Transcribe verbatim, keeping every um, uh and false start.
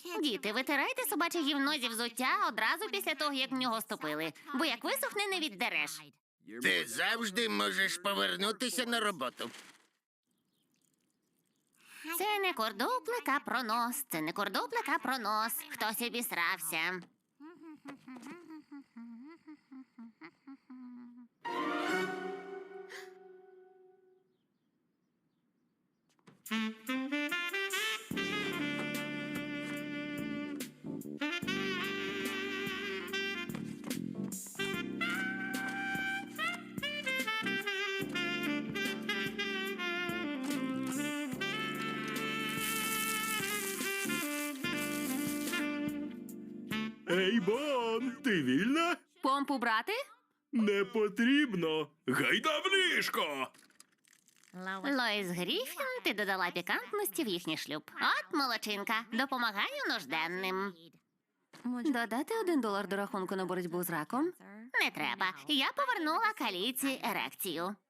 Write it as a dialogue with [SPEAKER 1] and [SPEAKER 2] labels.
[SPEAKER 1] Діти, витирайте собаче гівно зі взуття одразу після того, як в нього ступили, бо як висохне, не віддереш.
[SPEAKER 2] Ти завжди можеш повернутися на роботу.
[SPEAKER 1] Це не кордоплик, а пронос. Це не кордоплик, а пронос. Хтось обісрався.
[SPEAKER 3] Ей, Бон, ти вільна?
[SPEAKER 1] Помпу брати?
[SPEAKER 3] Не потрібно. Гайда в ліжко.
[SPEAKER 1] Лоїс Гріфін, ти додала пікантності в їхній шлюб. От молодчинка, допомагаю нужденним. Додати один долар до рахунку на боротьбу з раком? Не треба. Я повернула каліці ерекцію.